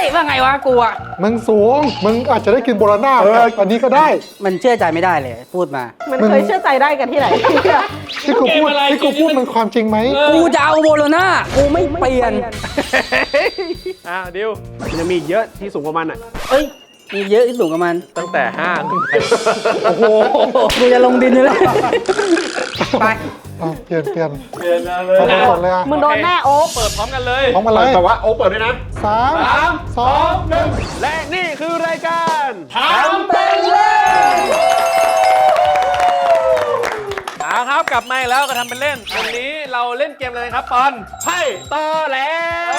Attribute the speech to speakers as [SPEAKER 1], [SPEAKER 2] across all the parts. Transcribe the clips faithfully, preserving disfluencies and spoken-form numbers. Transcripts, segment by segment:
[SPEAKER 1] ว่าไงวะกูอ่ะ
[SPEAKER 2] มึงสูงมึงอาจจะได้กินโบราณาอันนี้ก็ได้
[SPEAKER 1] มันเชื่อใจไม่ได้เลยพูดมา
[SPEAKER 3] มันเคยเชื่อใจได้กันที่ไหน
[SPEAKER 2] ที่กูพูดที่กูพูดมันความจริงไหม
[SPEAKER 1] กูจะเอาโบโลน่ากูไม่เปลี่ยน
[SPEAKER 4] อ่ะดิวมันจะมีอีกเยอะที่สูงกว่ามันอ่ะ
[SPEAKER 1] เอ้ยมีเยอะที่สูงกับมัน
[SPEAKER 4] ตั้งแต่ห้าขึ้นไป
[SPEAKER 1] โอ้โหกูจะลงดินเลยไป
[SPEAKER 2] เปลี่ยนเปลี่ยน
[SPEAKER 4] เปลี่ยนเลย
[SPEAKER 2] หมดเลยอ่ะ
[SPEAKER 3] มึงโดนแน่โอ๊ค
[SPEAKER 4] เปิดพร้อมกันเลย
[SPEAKER 2] พร้อมกันเลย
[SPEAKER 4] แต่ว่าโอ๊คเปิดด้วยนะ
[SPEAKER 2] สามสองหนึ่ง
[SPEAKER 4] และนี่คือรายการ
[SPEAKER 1] ทำเป็นเล่น
[SPEAKER 4] เอาครับกลับมาแล้วก็ทำเป็นเล่นวันนี้เราเล่นเกมอะไรครับปอนไพ่ต่อแล้ว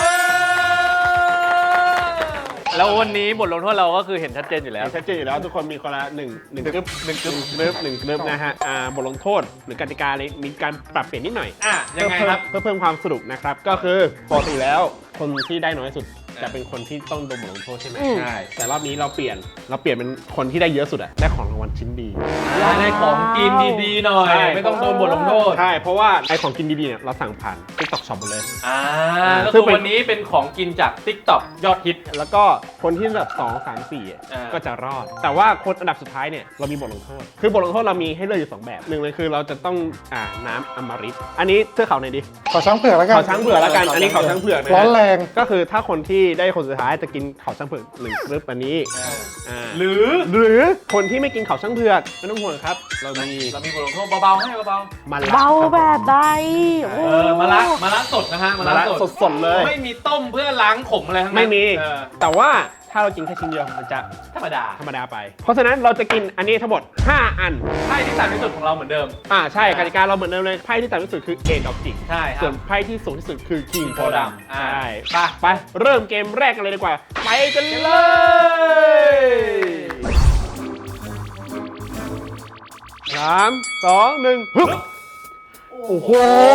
[SPEAKER 4] แล้ววันนี้บทลงโทษเราก็คือเห็นชัดเจนอยู่แล้วชัดเจนอยู่แล้วทุกคนมีคนละหนึ่งหนึ่งกึ๊บหนึ่งกึ๊บเนิบหนึ่งเนิบนะฮะอ่าบทลงโทษหรือกติกาเลยมีการปรับเปลี่ยนนิดหน่อยอ่ะยังไงครับเพื่อเพิ่มความสนุกนะครับก็คือปกติแล้วคนที่ได้น้อยสุดจะเป็นคนที่ต้องโดนบทลงโทษใช่ไหมใช่แต่รอบนี้เราเปลี่ยนเราเปลี่ยนเป็นคนที่ได้เยอะสุดอะได้ของรางวัลชิ้นดี
[SPEAKER 5] ได้ของกินดีๆหน่อยไม่ต้องโดนบทลงโทษ
[SPEAKER 4] ใช่เพราะว่าไอของกินดีๆเนี่ยเราสั่งผ่าน TikTok Shop หมดเลย
[SPEAKER 5] อ่าก็คือวันนี้เป็นของกินจาก TikTok ยอดฮิต
[SPEAKER 4] แล้วก็คนที่อันดับสอง สาม สี่ก็จะรอดแต่ว่าคนอันดับสุดท้ายเนี่ยเรามีบทลงโทษคือบทลงโทษเรามีให้เลือกอยู่สองแบบหนึ่งเลยคือเราจะต้องอ่าน้ำอมฤตอันนี้เทือกเขาไหนดี
[SPEAKER 2] ขอช้างเผือกแล้วกัน
[SPEAKER 4] ขอช้างเผือกแล้วกันอันนี้ขอช้างเผือกนะ
[SPEAKER 2] ร้อนแรง
[SPEAKER 4] ก็คือถ้าคนที่ได้คนสุดท้ายจะกินเขาช้างเผือกหนึ่งกรึ๊บอันนี้
[SPEAKER 5] หรือ
[SPEAKER 4] หรือคนที่ไม่กินเขาช้างเผือกไม่ต้องห่วงครับเรามี
[SPEAKER 5] เรามีบทลงโทษเบาๆให้เบา
[SPEAKER 4] ๆมัน
[SPEAKER 3] เบาแบบใด
[SPEAKER 5] เออมาละมาละสดนะฮะ
[SPEAKER 4] มาละสดสดเลย
[SPEAKER 5] ไม่มีต้มเพื่อล้างขมอะไรทั้งนั้น
[SPEAKER 4] ไม่มีแต่ว่าถ้าเรากินแค่ชิ้นเดียวมันจะ
[SPEAKER 5] ธรรมดา
[SPEAKER 4] ธรรมดาไปเพราะฉะนั้นเราจะกินอันนี้ทั้งหมดห้าอัน
[SPEAKER 5] ไพ่ที่ต่ำที่สุดของเราเหมือนเดิม
[SPEAKER 4] อ่าใช่กติกาเราเหมือนเดิมเลยไพ่ที่ต่ำที่สุดคือเอดอกจิก
[SPEAKER 5] ใช่
[SPEAKER 4] ส่วนไพ่ที่สูงที่สุดคือคิงโพดาม
[SPEAKER 5] ใช่
[SPEAKER 4] ไปไปเริ่มเกมแรกกันเลยดีกว่าไปกันเลยสามสองหนึ่งฮึบโอ้โห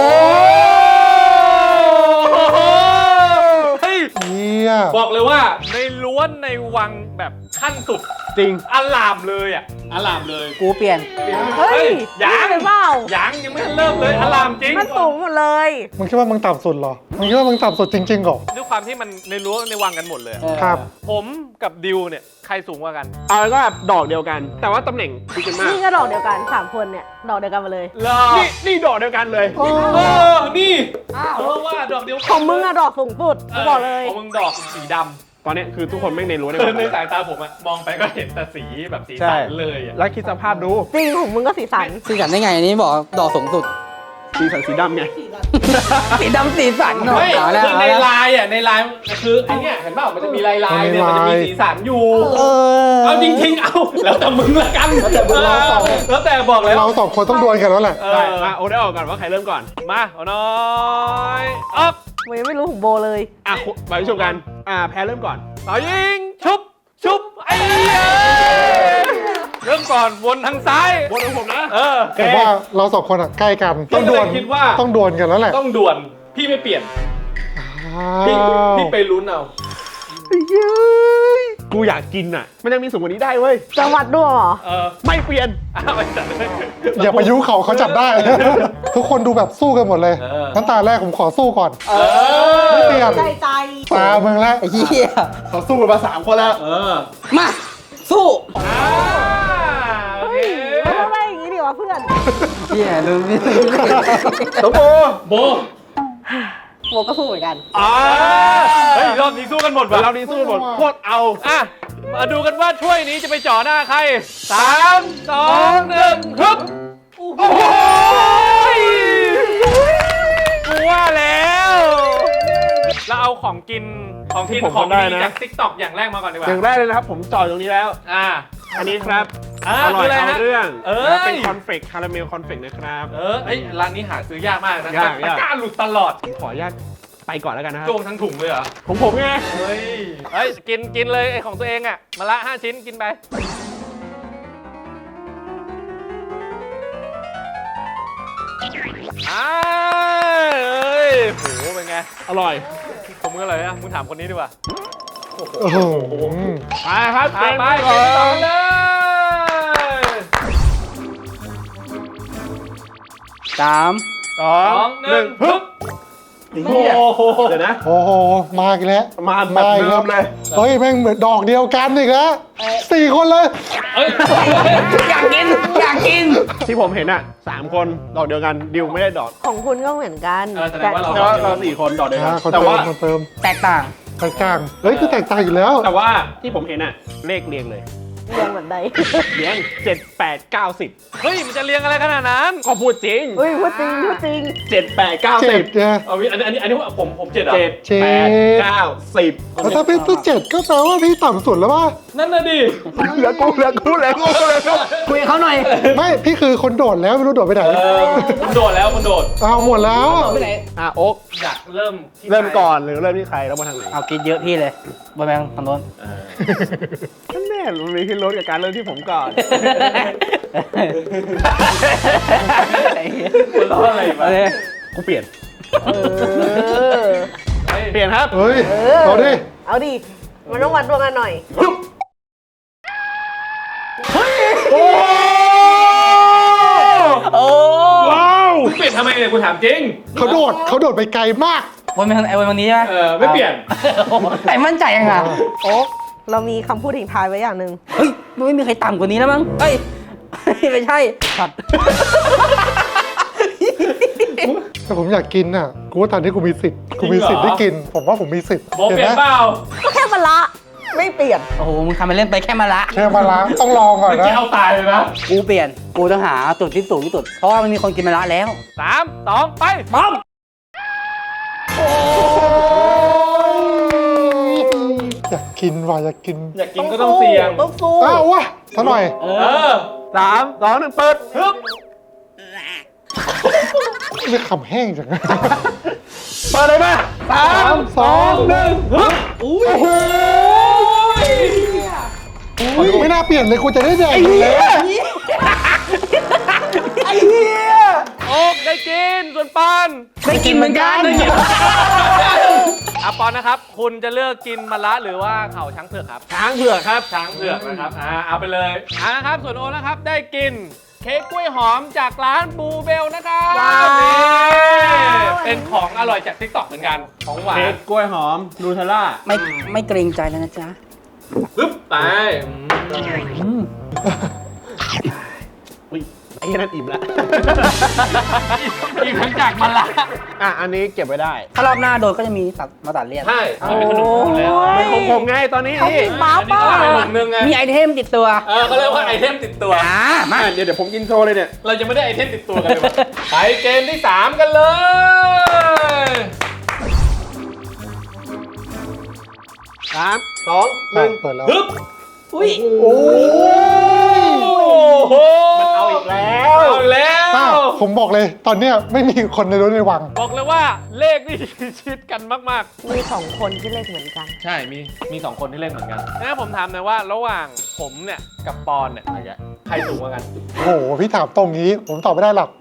[SPEAKER 5] บอกเลยว่าในล้วนในวังแบบขั้นสุด
[SPEAKER 4] จริง
[SPEAKER 5] อลามเลยอ่ะอลามเลย
[SPEAKER 1] กูเปลี่ยน
[SPEAKER 3] เฮ้ย
[SPEAKER 5] ยัง
[SPEAKER 3] เป็นเปล่า
[SPEAKER 5] ยังยังไม่เริ่มเลยอลามจริง
[SPEAKER 3] มันสูงหมดเลย
[SPEAKER 2] มึงคิดว่ามึงต่ำสุดเหรอมึงคิดว่ามึงต่ำสุดจริงๆเหรอ
[SPEAKER 5] ด้วยความที่มันในรั้วในวังกันหมดเลย
[SPEAKER 2] ครับ
[SPEAKER 5] ผมกับดิวเนี่ยใครสูงกว่ากัน
[SPEAKER 4] เอาแล้วก็แบบดอกเดียวกันแต่ว่าตำแหน่งดีกันมาก
[SPEAKER 3] นี่ก็ดอกเดียวกันสามคนเนี่ยดอกเดียวกันมาเลย
[SPEAKER 4] นี่นี่ดอกเดียวกันเลย
[SPEAKER 5] เออนี่เพราะว่าดอกเดียว
[SPEAKER 3] ของมึงอะดอกสูงสุดบอกเลย
[SPEAKER 5] ของมึงดอกสีดำ
[SPEAKER 4] ตอนนี้คือทุกคนไม่ในรั้วใน
[SPEAKER 5] ในสายตาผมอะมองไปก็เห็นแต่สีแบบสีสันเลยอะ
[SPEAKER 4] แล้วคิดสภาพดู
[SPEAKER 3] จริงของมึงก็สีสัน
[SPEAKER 1] สีสันได้ไงอันนี้บอกดอกสูงสุด
[SPEAKER 4] สีสันสีดำไง
[SPEAKER 1] สีดำสีสัน
[SPEAKER 5] เนาะคือในลายอ่ะในลายคือไอเนี้ยเห็นเปล่ามันจะมีลายลายเนี่ยมันจะมีสีสันอยู่เอาจริงๆเอาแล้วแต่มึงละกันแล้วแต่บอกเลย
[SPEAKER 2] เราสองคนต้องดวลกันแล้วแหละ
[SPEAKER 4] มาโอ้ได้ออกก่อนว่าใครเริ่มก่อนมาโอ้น้อยออก
[SPEAKER 3] มึงไม่รู้ของโบเลย
[SPEAKER 4] อ่ะไปชมกันอ่าแพ้เริ่มก่อนเอายิงชุบชุบไอ้เริ่มก่อนวนทางซ้ายวนทางผมนะเออ
[SPEAKER 2] แต่ว่าเราสองคนอ่ะใกล้กัน
[SPEAKER 5] ต้องดวลคิดว่า
[SPEAKER 2] ต้องดวลกันแล้วแหละ
[SPEAKER 5] ต้องดวลพี่ไม่เปลี่ยนพี่พี่ไปลุ้นเอา
[SPEAKER 4] กูอยากกินอ่ะมันยังมีสูงกว่านี้ได้เว้ย
[SPEAKER 3] จังหวัดด้วยเหรอ
[SPEAKER 4] เออไม่เปลี่ยน
[SPEAKER 2] อย่าไปยุเขาเขาจับได้ทุกคนดูแบบสู้กันหมดเลยงั้นตาแรกผมขอสู้ก่อนไม่เปลี่ยน
[SPEAKER 3] ใจใจ
[SPEAKER 2] ตามึงแล้ว
[SPEAKER 1] เฮีย
[SPEAKER 4] เขาสู้กันมาสามคนแล้ว
[SPEAKER 5] เออ
[SPEAKER 1] มาสู้
[SPEAKER 3] เฮ้ยไม่ต้องไปอย่างนี้ดิวะเพื่อน
[SPEAKER 1] เฮียดูนี่
[SPEAKER 4] โบ
[SPEAKER 5] โบ
[SPEAKER 3] โบก็สู้เหมือนกัน
[SPEAKER 5] อ่าเฮ้ยรอบนี้สู้กันหมดว่ะ
[SPEAKER 4] รอบนี้สู้กันหมดโคตรเอา
[SPEAKER 5] อ่ะมาดูกันว่าถ้วยนี้จะไปจ่อหน้าใครสามสองหนึ่งฮึบโอ้โหกูว่าแล้วเราเอาของกินของกินของดีจาก TikTok อย่างแรกมาก่อนดีกว่า
[SPEAKER 4] อย่างแรกเลยนะครับผมจ่อตรงนี้แล้ว
[SPEAKER 5] อ่า
[SPEAKER 4] อันนี้ครับอร่อยเอาเรื่องเออเป็นคอนเฟกคาราเมลคอนเฟกนะครับ
[SPEAKER 5] เออไอ้ร้านนี้หาซื้อยากมากนะตะกร้าหลุดตลอด
[SPEAKER 4] ขออนุญาตไปก่อนแล้วกันนะครับ
[SPEAKER 5] โจงทั้งถุงเลยเหรอ
[SPEAKER 4] ของผมไง
[SPEAKER 5] เฮ้ยเฮ้ยกินกินเลยไอ้ของตัวเองอ่ะมาละห้าชิ้นกินไปอ้าเอ้ยโหเป็นไง
[SPEAKER 4] อร่อย
[SPEAKER 5] ผมมึงอร่อยนะมึงถามคนนี้ดีกว่า
[SPEAKER 2] โอ้โห
[SPEAKER 4] ไปครับ
[SPEAKER 5] ไปไปต่อเลย
[SPEAKER 1] สาม
[SPEAKER 5] สองหนึ่งฮึบ
[SPEAKER 4] โอ้โหเดี๋ยวนะ
[SPEAKER 2] โอ้โหมาอีกแล้ว
[SPEAKER 4] มาแบบเดิมเลย
[SPEAKER 2] เฮ้ยแม่งเหมือนดอกเดียวกันอีกแล้วสี่คนเลย
[SPEAKER 5] เอ้ย
[SPEAKER 1] อยากกิน อยากกิน
[SPEAKER 4] ที่ผมเห็นอ่ะสามคนดอกเดียวกันดิวไม่ได้ดอก
[SPEAKER 3] ของคุณก็เหมือนกัน
[SPEAKER 5] เออแสดงว่าเรา
[SPEAKER 4] แต่ว่าเราสี่คนดอกเดียวกั
[SPEAKER 2] อ่าน คน
[SPEAKER 4] แต่
[SPEAKER 2] เติ
[SPEAKER 4] ว่าม
[SPEAKER 2] คนเติม
[SPEAKER 1] แตกต่าง
[SPEAKER 2] แตกต่างเฮ้ยคือแตกต่างอยู่แล้ว
[SPEAKER 4] แต่ว่าที่ผมเห็นอ่ะเลขเรียงเลย
[SPEAKER 3] เรียงเหมือนใด
[SPEAKER 4] เรียงเจ็ดแปดเก้าสิบ
[SPEAKER 5] เฮ้ย มันจะเรียงอะไรขนาดนั้น
[SPEAKER 4] ก็พูดจริง
[SPEAKER 3] เฮ้ยพูดจริงพูดจริง
[SPEAKER 4] เจ็ดแปดเก้า
[SPEAKER 2] เจ็
[SPEAKER 4] สิ
[SPEAKER 2] ด
[SPEAKER 4] บ
[SPEAKER 2] เนี่ย
[SPEAKER 5] เอาอันนี้อันนี้อันนี้ผมผมเจ็ดเหรอ
[SPEAKER 4] เจ็ด
[SPEAKER 2] เจ็ด
[SPEAKER 4] แปดเก้าสิบ
[SPEAKER 2] แล้วถ้าพี่ตัวเจ็ดก็แปลว่าพี่ต่ำสุดแล้วป่ะ
[SPEAKER 5] นั่นน่ะดิ
[SPEAKER 4] เหลือกูเหลือกูเหลือกูเหลือกู
[SPEAKER 1] คุยกับเขาหน่อย
[SPEAKER 2] ไม่พี่คือคนโดดแล้วไม่รู้โดดไปไหน
[SPEAKER 5] เออคุณโดดแล้วคุณโดด
[SPEAKER 2] เอาหมดแล้ว
[SPEAKER 1] ไปไหน
[SPEAKER 4] อ่ะโอ๊ก
[SPEAKER 5] อยากเริ่มที่
[SPEAKER 4] เริ่มก่อนหรือเริ่มที่ใครแล้วมาทางไหน
[SPEAKER 1] เอากินเยอะพี่เลยบอแบงทางโน้น
[SPEAKER 4] นั่นแน่มันมีขึ้นรถกับการเริ่มที่ผมก่อน
[SPEAKER 5] คุณร้องอะไรมา
[SPEAKER 1] เอาเลย
[SPEAKER 4] กูเปลี่ยน
[SPEAKER 3] เออ
[SPEAKER 4] เปลี่ยนครับ
[SPEAKER 2] เฮ้ย
[SPEAKER 3] เออ
[SPEAKER 2] เอาดิ
[SPEAKER 3] เอาดิ มันต้องวัดดวงกันหน่อย
[SPEAKER 1] โอ้
[SPEAKER 4] ว้าว
[SPEAKER 5] คุณเปลี่ยนทำไมเนี่ยคุณถามจริง
[SPEAKER 2] เขาโดดเขาโดดไปไกลมาก
[SPEAKER 1] วันเป็นไอ้วันนี้ใช่ไหม
[SPEAKER 5] เออไม่เปลี่ยน
[SPEAKER 1] ไอ้มั่นใจยังไง
[SPEAKER 3] โอ๊กเรามีคำพูดทิ้งท้ายไว้อย่างหนึ่ง
[SPEAKER 1] เฮ้ยมันไม่มีใครต่ำกว่านี้แล้วมั้งเฮ้ยไม่ใช่ขัด
[SPEAKER 2] แต่ผมอยากกินน่ะกูว่าตอนนี้กูมีสิทธิ์กูมีสิทธิ์ได้กิน ผมว่าผมมีสิทธิ์
[SPEAKER 5] โบเปลี่ยน
[SPEAKER 2] ห็ไห
[SPEAKER 5] เปล่า
[SPEAKER 3] ก็แค่มันละ ไม่เปลี่ยน
[SPEAKER 1] โอ้โหมึงทำไปเล่นไปแค่มาละ
[SPEAKER 2] แค่มาล้างต้องลองก่อน
[SPEAKER 5] เมื่อ
[SPEAKER 2] นะ
[SPEAKER 5] กี้เอาตายเลยนะ
[SPEAKER 1] กูเปลี่ยนกูต้องหาจุดที่สูงที่สุดเพราะว่ามันมีคนกินมาละแล้ว
[SPEAKER 5] สามสองไป
[SPEAKER 1] ป้อม
[SPEAKER 2] อยากกินว่ะอยากกิน
[SPEAKER 5] อยากกินก็ต้องเสี่ยง
[SPEAKER 3] ต้องสู้
[SPEAKER 2] อ้าววะซะหน่อย
[SPEAKER 1] เอ
[SPEAKER 5] เอ
[SPEAKER 1] อ
[SPEAKER 5] อ
[SPEAKER 4] สามสองหนึ่งเปิด
[SPEAKER 5] ฮึบ
[SPEAKER 2] ไม่ขำแห้งจัง
[SPEAKER 4] เปิดเลยมาสามสองหนึ่งฮึบ
[SPEAKER 1] อุ้ย
[SPEAKER 2] ไม่น่าเปลี่ยนเลยกูจะได้แดกอยู่แล้ว
[SPEAKER 1] ไอ้เหี้ย
[SPEAKER 5] โอ๊กได้กินส่วนปอน
[SPEAKER 1] ได้กินเหมือนกัน
[SPEAKER 5] อ่ะปอนนะครับ คุณจะเลือกกินมะระหรือว่าเข่าช้างเผือกครับ
[SPEAKER 4] ช้างเผือกครับ
[SPEAKER 5] ช้างเผือกนะครับ อ่า เอาไปเลยอ่านะครับ ส่วนโอนะครับ ได้กินเค้กกล้วยหอมจากร้านบูเบลนะครับ
[SPEAKER 3] ว้าว
[SPEAKER 5] นี่เป็นของอร่อยจากทิกตอกเหมือนกัน ของหวา
[SPEAKER 4] เค้
[SPEAKER 5] น
[SPEAKER 4] กกล้วยหอมนูเทลล่า
[SPEAKER 1] ไม่ไม่เกรงใจแล้วนะจ๊ะ
[SPEAKER 5] ปึ๊บไป
[SPEAKER 1] อืม
[SPEAKER 4] อุ้ยไอ้นั่นอิ่มละ
[SPEAKER 5] อีกทั้งจากมะระ
[SPEAKER 4] อ่ะอันนี้เก็บไว้ได้
[SPEAKER 1] ถ้ารอบหน้าโดนก็จะมีตัดมาตัดเลี่ยน
[SPEAKER 5] ใช่มันเป็นขนมของแล้ว
[SPEAKER 4] เป็นของผมไงตอนนี้
[SPEAKER 3] เขา
[SPEAKER 4] นี่
[SPEAKER 3] กินบ้า
[SPEAKER 5] อันนี้
[SPEAKER 3] ป่ะ
[SPEAKER 5] ก็เป็นถุงนึงไง
[SPEAKER 1] มีไอเทมติดตัว
[SPEAKER 5] เออเขาเรียกว่าไอเทมติดตัว
[SPEAKER 1] อ่ามา
[SPEAKER 4] อ่ะเดี๋ยวเดี๋ยวผมกินโชว์เลยเนี่ย
[SPEAKER 5] เราจะไม่ได้ไอเทมติดตัวกันเลยวะไปเกมที่สามกันเลย
[SPEAKER 4] สามสองหนึ่ง
[SPEAKER 2] เปิดแล้ว
[SPEAKER 5] ฮึบ
[SPEAKER 1] อุ้ย
[SPEAKER 2] โอ้
[SPEAKER 5] โอ้โห
[SPEAKER 4] มันเอาอีกแล้ว
[SPEAKER 5] เอาอีกแล้ว
[SPEAKER 2] อ้าวผมบอกเลยตอนเนี้ยไม่มีคนในรถในวัง
[SPEAKER 5] บอกเลยว่าเลขนี่ชิดกันมาก
[SPEAKER 3] มีสองคนที่เลขเหมือนกัน
[SPEAKER 5] ๆ ใช่ มีมีสองคนที่เล่นเหมือนกันนะผมถามหน่อยว่าระหว่างผมเนี่ยกับปอนเนี่ยใครสูงกว่ากัน
[SPEAKER 2] โอ้โหพี่ถามตรงนี้ ผมตอบไม่ได้หรอก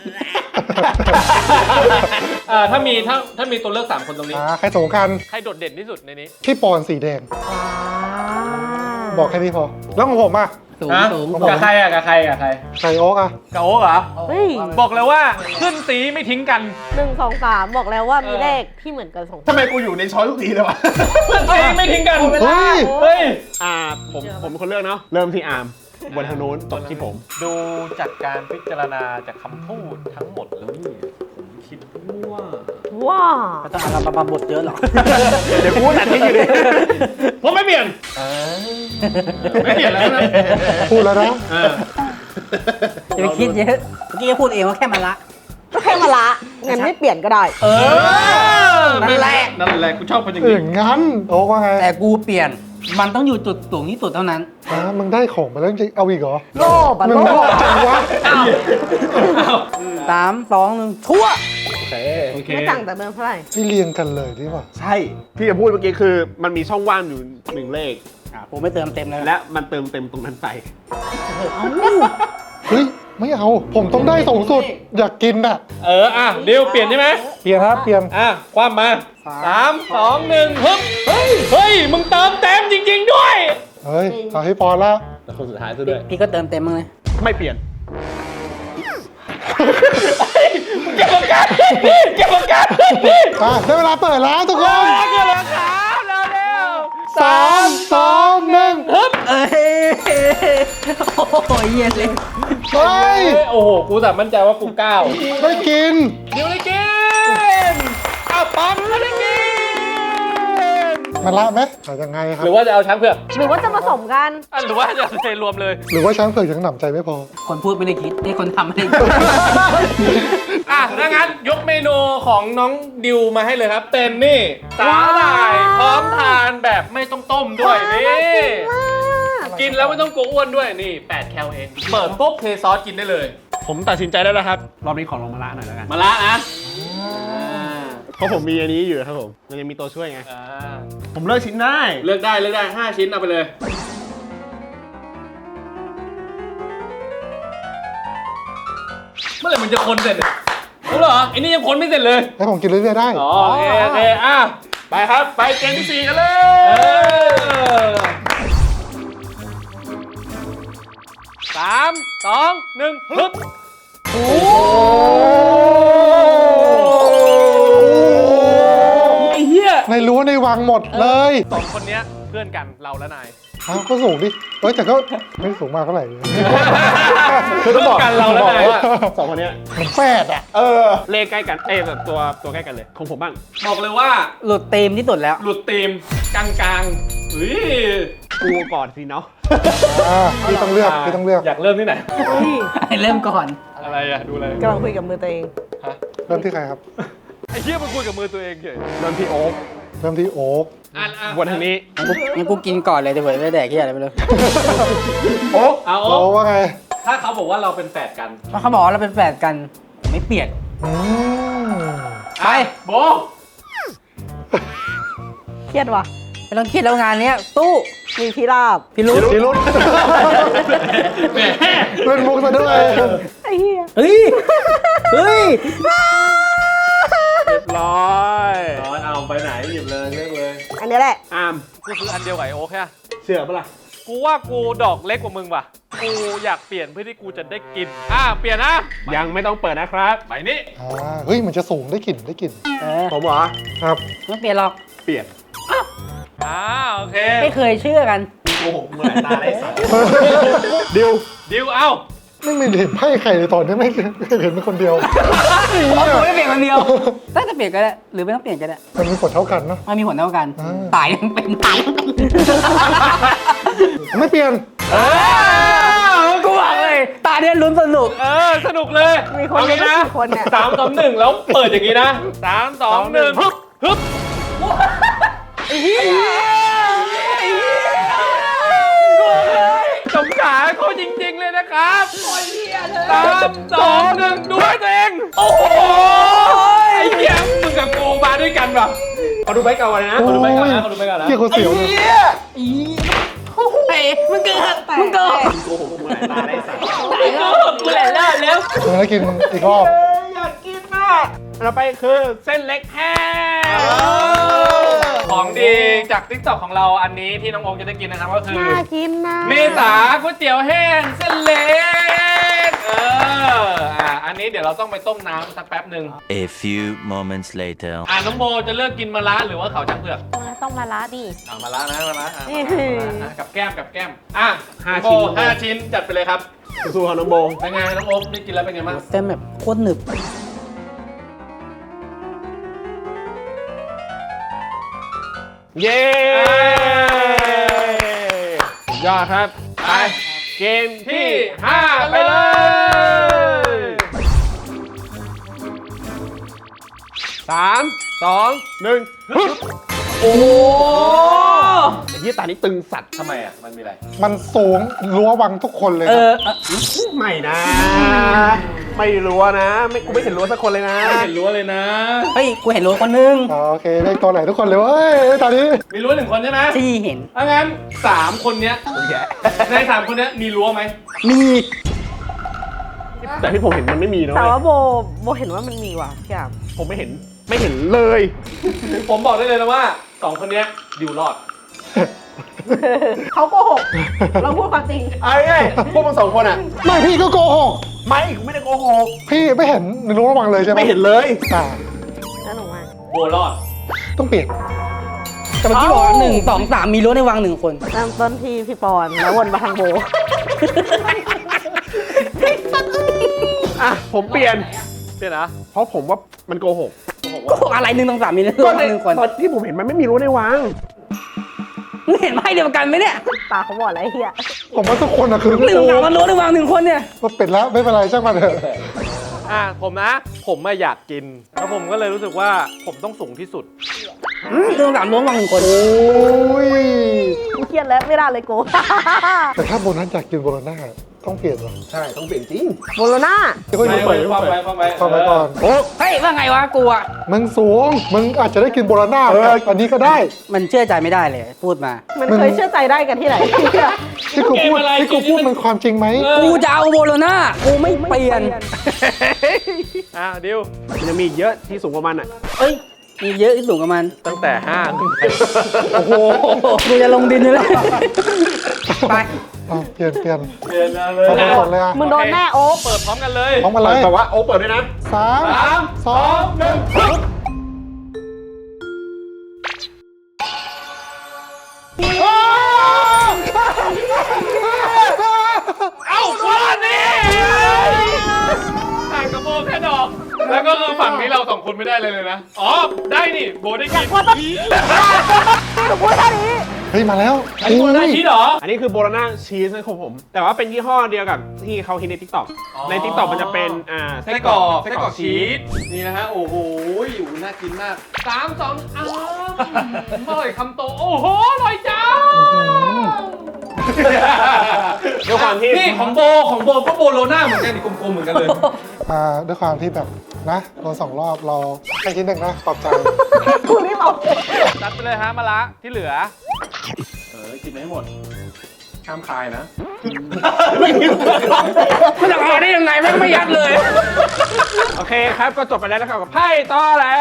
[SPEAKER 5] เออถ้ามีถ้าถ้ามีตัวเลือกสามคนตรงนี้
[SPEAKER 2] อ่าใครสงกัน
[SPEAKER 5] ใครโดดเด่นที่สุดในนี้
[SPEAKER 2] พี่ปอนสีแดง
[SPEAKER 3] ว้า
[SPEAKER 2] บอกแค่นี้พอ แล้วของผมอ่ะ
[SPEAKER 1] สูง
[SPEAKER 5] ฮะ
[SPEAKER 1] สูง
[SPEAKER 5] กับใครอ่ะกับใครกับใคร
[SPEAKER 2] ไก่โอ๊กอ่ะ
[SPEAKER 5] กับโอ๊กเหรอ
[SPEAKER 3] เฮ้ย
[SPEAKER 5] บอกเลยว่าขึ้นสีไม่ทิ้งกัน
[SPEAKER 3] หนึ่งสองสามบอกแล้วว่ามีเลขที่เหมือนกันสอง
[SPEAKER 4] ทำไมกูอยู่ในช้อยทุกทีเลยวะ
[SPEAKER 5] ขึ้นสีไม่ทิ้งกัน
[SPEAKER 2] เฮ้ย
[SPEAKER 5] เฮ้ย
[SPEAKER 4] อ่าผมผมเป็นคนเลือกเนาะเริ่มที่อาร์มบนทางนู้นตกที่ผม
[SPEAKER 5] ดูจากการพิจารณาจากคำพูดทั้งหมดแล้วเนี่ยผมคิดว่า
[SPEAKER 3] ว้า
[SPEAKER 1] ไม่ต้องเอามาบทเยอะหรอก
[SPEAKER 4] เดี๋ยวกูตัดทิ้งอยู่ดิ
[SPEAKER 5] ผมไม่เปลี่ยนไม่เปลี่ยนแล้วนะ
[SPEAKER 2] พูดแล้วนะ
[SPEAKER 5] เออ
[SPEAKER 1] อย่าไปคิดเยอะเมื่อกี้จะพูดเองว่าแค่มาละ
[SPEAKER 3] ก็แค่มาละงั้นไม่เปลี่ยนก็ได้
[SPEAKER 1] เออนั่นแหละ
[SPEAKER 5] นั่นแหละกูชอบคนอย่าง
[SPEAKER 2] เอ
[SPEAKER 5] นี้
[SPEAKER 2] องั้นโอ๊กว่าไง
[SPEAKER 1] แต่กูเปลี่ยน มันต้องอยู่จุดสูงที่สุดเท่านั้น
[SPEAKER 2] อ่ามึงได้ของมาแล้วจริงเอาอีกเหรอ
[SPEAKER 3] โลภอะ
[SPEAKER 2] มึง
[SPEAKER 3] โล
[SPEAKER 2] โง่
[SPEAKER 3] ภ
[SPEAKER 2] จังวะ
[SPEAKER 1] สามสองหนึ่งชั่ว
[SPEAKER 4] โอเค
[SPEAKER 5] โอเค
[SPEAKER 3] ไม่ต่างจากเดิมเท่าไหร่
[SPEAKER 2] นี่เรียงกันเลยดีกว่า
[SPEAKER 4] ใช่ที่จะพูดเมื่อกี้คือมันมีช่องว่างอยู่หนึ่งเลข
[SPEAKER 1] อ่ะผมไม่เติมเต็มเลยนะ
[SPEAKER 4] และมันเติมเต็มตรงนั้นไป
[SPEAKER 2] เฮ้ย ไม่เอา ผมต้องได้สูงสุด อยากกินอ่ะ
[SPEAKER 5] เอออ่ะเดี๋ยวเปลี่ยนใช่ไหม
[SPEAKER 2] เปลี่ยนครับเปลี่ยน
[SPEAKER 5] อ่ะคว่ำมาสามสองหนึ่งฮึบเฮ้ยเฮ้ยมึงเติมเต็มจริง ๆ ด้วย
[SPEAKER 2] เฮ้ยเอาให้ปอนแล้ว
[SPEAKER 4] แต่คนสุดท้ายซะด้วย
[SPEAKER 1] พี่ก็เติมเต็มมึงเลย
[SPEAKER 4] ไม่เปลี่ยน
[SPEAKER 5] มเก็บประกันเก็บประกัน
[SPEAKER 2] อ่ะได้เวลาเปิดแล้วทุกคน
[SPEAKER 5] เก็บประกันเร็ว
[SPEAKER 2] สามสองหนึ่ง
[SPEAKER 1] เอ้ยโอ้โหเย็นเลย
[SPEAKER 2] เฮ้ย
[SPEAKER 5] โอ้โหกูแต่มั่นใจว่ากูก้าว
[SPEAKER 2] ไม่กิน
[SPEAKER 5] เดี๋ยวได้กินอ้าวปั๊มแล้วได้กิน
[SPEAKER 2] มันละไหมหรือยังไงครั
[SPEAKER 5] ห
[SPEAKER 2] บ
[SPEAKER 5] รือว่าจะเอาช้างเผือก
[SPEAKER 3] หรือว่าจะผสมกัน
[SPEAKER 5] อ่ะหรือว่าจะเทรวมเลย
[SPEAKER 2] หรือว่าช้างเผือกยังหนำใจไม่พอ
[SPEAKER 1] คนพูดไม่ได้คิดนี่คนทำไม่ได้คิด
[SPEAKER 5] อ่ะถ้างั้นยกเมนูของน้องดิวมาให้เลยครับ เป็นนี่สาหร่ายพร้อมทานแบบไม่ต้องต้มด้วยนี่กินแล้วไม่ต้องกลัวอ้วนด้วยนี่แปดแคลเองเปิดปุ๊บเทซอสกินได้เลย
[SPEAKER 4] ผมตัดสินใจได้แล้วครับ รอบนี้ขอลงมะระหน่อยแล้วกัน
[SPEAKER 5] มาละนะ
[SPEAKER 4] เพราะผมมีอันนี้อยู่ครับผมมันยังมีตัวช่วยไง
[SPEAKER 5] อ่า
[SPEAKER 4] ผมเลือกชิ้นได้
[SPEAKER 5] เลือกได้เลือกได้ห้าชิ้นเอาไปเลยเมื่อไหร่มันจะคนเสร็จเนี่ยรู้เหรอไอ้นี่ยังคนไม่เสร็จเลย
[SPEAKER 2] ให้ผมกินเรื่อยๆได้
[SPEAKER 5] อ๋อโอเคโอเคอ่ะไปครับ ไปเกมที่สี่กันเลยสามสองหนึ่งฮึบโอ้ไอ้เหี้ย
[SPEAKER 2] ในรั้วในวังหมดเลย
[SPEAKER 5] สองคนเนี้ยเพื่อนกันเราและนาย
[SPEAKER 2] อ้าวก็สูงดิเอ้ยแต่ก็ไม่สูงมากเท่าไหร่
[SPEAKER 5] คือต้องบอกกันเราและนายว่า
[SPEAKER 4] สองคนเนี้ย
[SPEAKER 2] เหมือนแฝดอ่ะ
[SPEAKER 4] เออ เลขใกล้กัน เอ้ยแบบตัวตัวใกล้กันเลย ของผมบ้าง
[SPEAKER 5] บอกเลยว่า
[SPEAKER 1] หลุดธีมที่สุดแล้ว
[SPEAKER 5] หลุดธีมกลางๆเฮ้ย
[SPEAKER 4] กูก่อนสิเนาะ
[SPEAKER 2] อ่าพี่ต้องเลือกพี่ต้องเลือก
[SPEAKER 5] อยากเริ่มที่ไหน
[SPEAKER 1] ให้เริ่มก่อน
[SPEAKER 5] อะไรอะดูเลย
[SPEAKER 3] กำลังคุยกับมือตัวเอง
[SPEAKER 2] เริ่มที่ใครครับ
[SPEAKER 5] ไอ้เหี้ยมันคุยกับมือตัวเองเฉย
[SPEAKER 4] เริ่มที่โอ๊ค
[SPEAKER 2] เริ่มที่โอ๊ก
[SPEAKER 5] อ่ะอ่ะ
[SPEAKER 4] วนทางนี้
[SPEAKER 1] งั้นกูกินก่อนเลยเดี๋ยวเผื่อได้แดกที่อะไรไม่รู้
[SPEAKER 2] โอ๊ก
[SPEAKER 5] เอา
[SPEAKER 2] โอ๊กว่าไง
[SPEAKER 5] ถ้าเขาบอกว่าเราเป็นแฝดกัน
[SPEAKER 1] เพราะเขาบอกว่าเราเป็นแฝดกันไม่เปลี่ยน
[SPEAKER 2] อืม
[SPEAKER 5] ไปโบ
[SPEAKER 3] เครียดว่ะ
[SPEAKER 1] ไม่ต้องคิดแล้วงานเนี้ยสู้
[SPEAKER 3] มีพิราบ
[SPEAKER 1] พี่รู้
[SPEAKER 2] พี่รุ่น
[SPEAKER 5] แหม
[SPEAKER 2] เล่นมุกซะด้วย
[SPEAKER 3] ไอ้เหี้ย
[SPEAKER 1] เฮ้ยเฮ้ย
[SPEAKER 4] เรียบร้อย
[SPEAKER 5] ร้อนเอาไปไหนหยิบเลยเลือกเลย
[SPEAKER 3] อันนี้แหละ
[SPEAKER 4] อาม
[SPEAKER 5] กูคืออันเดียวกับไอโอ๊คแค่
[SPEAKER 4] เชื่อปะล่ะ
[SPEAKER 5] กูว่ากูดอกเล็กกว่ามึงว่ะ กูอยากเปลี่ยนเพื่อที่กูจะได้กิน อ่ะเปลี่ยนนะ
[SPEAKER 4] ยังไม่ต้องเปิดนะครับ
[SPEAKER 5] ไปนี่
[SPEAKER 2] อ่าเฮ้ยมันจะสูงได้กลิ่นได้กลิ่น
[SPEAKER 1] เออ
[SPEAKER 4] ผมเหรอ
[SPEAKER 2] ครับ
[SPEAKER 1] ไม่เปลี่ยนหรอก
[SPEAKER 4] เปลี่ยน
[SPEAKER 5] อ่าโอเค
[SPEAKER 1] ไม่เคยเชื่อกัน
[SPEAKER 4] โกหกเมื่อไหร่ตาได้สัตว์ดิว
[SPEAKER 5] ดิวเอ้า
[SPEAKER 2] ไม่มีเห็นไพ่ใครเลยตอนนี้ไม่ไม่เห็นเป็นคนเดียว
[SPEAKER 1] เพราะกูไม่เปลี่ยนคนเดียวถ้าจะเปลี่ยนก็ได้หรือไม่ต้องเปลี่ยนก็ได้
[SPEAKER 2] มันมีผลเท่ากันเนาะ
[SPEAKER 1] มันมีผลเท่ากัน
[SPEAKER 2] อ่า
[SPEAKER 1] ตายยังเป็นตายยังเป็น
[SPEAKER 2] ไม่เปลี่ยน
[SPEAKER 5] เออ
[SPEAKER 1] กูบอกเลย ตาเนี่ยลุ้นสนุก
[SPEAKER 5] เออ สนุกเลย
[SPEAKER 3] มีคน
[SPEAKER 5] เอา
[SPEAKER 3] เดียว
[SPEAKER 5] งี้นะ
[SPEAKER 3] กี่คนเนี่ย
[SPEAKER 5] สามสองหนึ่งแล้วเปิดอย่างนี้นะสามสองหนึ่งฮึบฮึบไอ้เหี้ยไอ้เหี้ยสงสารเขาจริงๆเลยนะครับสามสองหนึ่งดูให้ตัวเอง โอ้โหไอ้เหี้ยมึงกับกูมาด้วยกันป่ะขอดูใบเก่าเลยนะขอดูใบเก่านะขอดูใบเก่านะ
[SPEAKER 2] เกี่ยวกับเสียวเลย
[SPEAKER 1] เฮ้ยมึงเกิดมึงเกิด
[SPEAKER 4] โกหกเมื่อไหร่ตาได้สัตว์
[SPEAKER 1] ตายแล้วกูแหละเลิกแล้ว
[SPEAKER 2] เออแล้วกินอีกรอบ
[SPEAKER 4] อยากกินมากเราไปคือเส้นเล็กแห้ง
[SPEAKER 5] ของดีจากทิกตอกของเราอันนี้ที่น้องโอมจะได้กินนะครับก็คือ
[SPEAKER 3] น่ากินนะ
[SPEAKER 5] เมษาก๋วยเตี๋ยวแห้งเส้นเล็ก เออ อ่ะ อันนี้เดี๋ยวเราต้องไปต้มน้ำสักแป๊บหนึ่ง
[SPEAKER 6] A few moments later.
[SPEAKER 5] อ่ะน้องโบจะเลือกกินมะระหรือว่าเขาวจังเผือก
[SPEAKER 3] ต้องมาละดิ
[SPEAKER 5] เอามะระนะมะระอ่ะ
[SPEAKER 3] นี่
[SPEAKER 5] อ่ะกับแก้มกับแก้ม อ่ะ
[SPEAKER 4] ห้า
[SPEAKER 5] โบ
[SPEAKER 4] ชิ้น
[SPEAKER 5] ห้าชิ้นจัดไปเลยครับ
[SPEAKER 4] สู้ๆครับน้องโบ
[SPEAKER 5] เป็นไงน้องโอ๊คได้กินแล้วเป็นไงบ้าง
[SPEAKER 1] เส้นแบบโคตรหนึบ
[SPEAKER 4] เย้สุดยอดครับ ไป เกมที่ห้าไปเลย สามสองหนึ่งฮึบ
[SPEAKER 5] โอ้โห
[SPEAKER 4] ไอ้ยี่ตานี่ตึงสัตว์
[SPEAKER 5] ทำไมอ่ะ มันมีอะไร
[SPEAKER 2] มันสูงรั้ววังทุกคนเลย
[SPEAKER 1] เอ
[SPEAKER 2] ครับ
[SPEAKER 1] อเออ
[SPEAKER 4] ไม่นะ ไม่รู้นะ ไม่กูไม่เห็นรู้สักคนเลยนะ
[SPEAKER 5] ไม่เห็นรั้วเลยนะ
[SPEAKER 1] เฮ้ย กูเห็นรั้วคนนึง
[SPEAKER 2] อ๋อโอเคเลขตัวไหนทุกคนเลยเว้ยตอนนี้
[SPEAKER 5] มีรั้วหนึ่งคนใช่ไหม
[SPEAKER 1] ที่เห็น
[SPEAKER 5] ถ้างั้นสามคนเนี้ยในสามคนเนี้ยมีรั้วไหม
[SPEAKER 1] มี
[SPEAKER 4] แต่ที่ผมเห็นมันไม่มีนะ
[SPEAKER 3] แต่
[SPEAKER 4] เว้ย
[SPEAKER 3] ว่าโบโบเห็นว่ามันมีว่ะพี่อาม
[SPEAKER 4] ผมไม่เห็น ไม่เห็นเลย
[SPEAKER 5] ผมบอกได้เลยนะว่าสองคนเนี้ยดิวรอด
[SPEAKER 3] เขาโกหก เราพูดความจริง
[SPEAKER 4] ไอ้ไงพวกมึงสองคนอ่ะ
[SPEAKER 2] ไม่พี่ก็โกหก
[SPEAKER 4] ไม่กูไม่ได้โกหก
[SPEAKER 2] พี่ไม่เห็นในรู้ระวังเลยใช่ไหม
[SPEAKER 4] ไม่เห็นเลย
[SPEAKER 2] อ่า
[SPEAKER 3] แล้วหนูมา
[SPEAKER 5] โบรอด
[SPEAKER 2] ต้องเปลี่ยน
[SPEAKER 1] แต่เมื่อกี้บอกว่าหนึ่งสองสามมีรั้วในวังหนึ่งคน
[SPEAKER 3] เริ่มต้นที่พี่ปอนแล้ววนมาทางโบ
[SPEAKER 4] อ่ะผมเปลี่ยน
[SPEAKER 5] เดี๋ยวนะ
[SPEAKER 4] เพราะผมว่ามันโกหก
[SPEAKER 1] ก็บอกอะไรหนึ่งสองสามมีรั้วในวังหนึ่งคน
[SPEAKER 4] ตอนที่ผมเห็นมันไม่มีรู้ในวัง
[SPEAKER 1] มึงเห็นไพ่เดียวกันไหมเนี่ย
[SPEAKER 3] ตาเขาบอกอะไรเฮีย
[SPEAKER 2] ผมว่าทุกคนอะคือ
[SPEAKER 1] หนึ่งสองสามมันรั้วในวังหนึ่งคนเนี่ย
[SPEAKER 2] ก็เป็ดแล้วไม่เป็นไรช่างมันเถอะ
[SPEAKER 5] อ่ะผมนะ ผมไม่อยากกิน แล้วผมก็เลยรู้สึกว่าผมต้องสูงที่สุด
[SPEAKER 1] อืมหนึ่งสองสามรั้วในวังหนึ่งคน
[SPEAKER 2] โอ้ย
[SPEAKER 3] กูเครียดแล้วไม่ได้เลยโก
[SPEAKER 2] แต่ถ้าโบนัสอยากกินโบนัสต้องเปลี่ยนว่ะ
[SPEAKER 4] ใช่ต้องเปลี่ยนจริง
[SPEAKER 3] โบโลน่า
[SPEAKER 2] เดี๋ยวก็อยู่
[SPEAKER 5] ไป
[SPEAKER 2] เปิด
[SPEAKER 5] ความไปความไป
[SPEAKER 2] เข้าไปก่อนโอ้
[SPEAKER 1] เฮ้ยว่าไงวะกูอะ
[SPEAKER 2] มึงสูงมึงอาจจะได้กินโบนัสอันนี้ก็ได้
[SPEAKER 1] มันเชื่อใจไม่ได้เลยพูดมา
[SPEAKER 3] มันเคยเชื่อใจได้กันที่ไหนเฮีย
[SPEAKER 2] ที่กูพูดที่กูพูดมันความจริงไหม
[SPEAKER 1] กูจะเอาโบโลน่ากูไม่เปลี่ยน
[SPEAKER 5] อ่ะดิว
[SPEAKER 4] มันจะมีอีกเยอะที่สูงกว่ามันอ่ะ
[SPEAKER 1] เอ้ยมีเยอะที่สูงกว่ามัน
[SPEAKER 5] ตั้งแต่ห้าขึ้นไป
[SPEAKER 1] โอ้โหกูจะลงดินอยู่เลยไป
[SPEAKER 2] เอาเปลี่ยนเปลี่ยน
[SPEAKER 5] เดินมาเลย
[SPEAKER 2] เอาไปก่อนเลยอ่ะ
[SPEAKER 3] มึงโดนแน่โอ๊ค
[SPEAKER 5] เปิดพร้อมกันเลย
[SPEAKER 2] พร้อมมาเลย
[SPEAKER 4] แต่ว่าโอ้เปิดด้วยนะ
[SPEAKER 2] สาม
[SPEAKER 5] สาม
[SPEAKER 2] สอง
[SPEAKER 5] หนึ่งเอ้าวันนี้ห่างกับโบแค่ดอก แล้วก็คือฝั่งนี้เราสองคนไม่ได้เลยเลยนะ อ๋อ ได้นี่โบได้กิน
[SPEAKER 3] ว่าต้องหนูพูดแค่นี้
[SPEAKER 2] เฮ้ยมาแล้ว
[SPEAKER 5] อันนี้โบได้ชีสเหรอ
[SPEAKER 4] อันนี้คือโบโลน่าชีสของผม แต่ว่าเป็นยี่ห้อเดียวกับที่เขาฮิตใน ทิกตอก
[SPEAKER 5] อ๋อ
[SPEAKER 4] ใน ทิกตอกมันจะเป็นอ่า
[SPEAKER 5] ไส้กรอกไส้กรอกชีสนี่นะฮะ โอ้โหอยู่น่ากินมากสามสองอ้าวอร่อยคำโต โอ้โห อร่อยจัง
[SPEAKER 4] ด้วยความที่
[SPEAKER 5] นี่ของโบของโบก็โบโลน่าเหมือนกันนี่กลมๆเหมือนกันเลย
[SPEAKER 2] อ่าด้วยความที่แบบนะโดนสองรอบเราให้ทีหนึ่งนะปลอบใจ
[SPEAKER 3] กูรีบเอา
[SPEAKER 5] จัดไปเลยฮะมะละที่เหลือ เออ กินให้หมดห้ามคายนะ
[SPEAKER 1] มันจะเอาได้ยังไงแม่งไม่ยัดเลย
[SPEAKER 4] โอเคครับ ก็จบไปแล้วนะครับกับไพ่ต่อแล้ว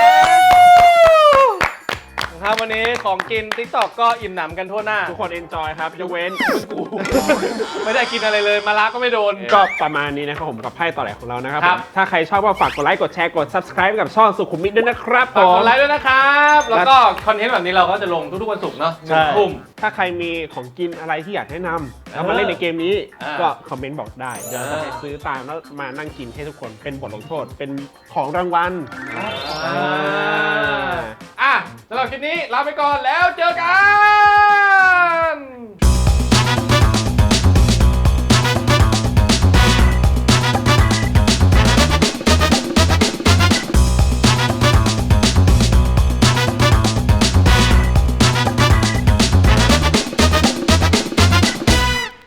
[SPEAKER 5] ครับวันนี้ของกิน TikTok ก็อิ่มหนำกันทั่วหน้า
[SPEAKER 4] ทุกคนเอนจอยครับยกเว้นกู
[SPEAKER 5] ไม่ได้กินอะไรเลยมะละก็ไม่โดน
[SPEAKER 4] ก็ประมาณนี้นะครับผมกับไพ่ต่อแหลกของเรานะครับ
[SPEAKER 5] ครับ
[SPEAKER 4] ผมถ้าใครชอบก็ฝากกดไลค์กดแชร์กด subscribe กับช่องสุขุมวิทด้วยนะครับผ
[SPEAKER 5] ฝากก
[SPEAKER 4] ม
[SPEAKER 5] ดไลค์ด้วยนะครับ แล้วก็คอนเทนต์แบบนี้เราก็จะลงทุกๆวันศุกร์เนาะห
[SPEAKER 4] ใช่
[SPEAKER 5] นึ่งทุ่ม
[SPEAKER 4] ถ้าใครมีของกินอะไรที่อยากแนะนำแล้วมาเล่นในเกมนี้
[SPEAKER 5] อ่า
[SPEAKER 4] ก็คอมเมนต์บอกได้ เดี๋ยว
[SPEAKER 5] อ่า
[SPEAKER 4] จะไปซื้อตามแล้วมานั่งกินให้ทุกคนเป็นบทลงโทษ เป็นของรางวัล
[SPEAKER 5] อ่าอ่ะสำหรับคลิปนี้ลาไปก่อนแล้วเจอกัน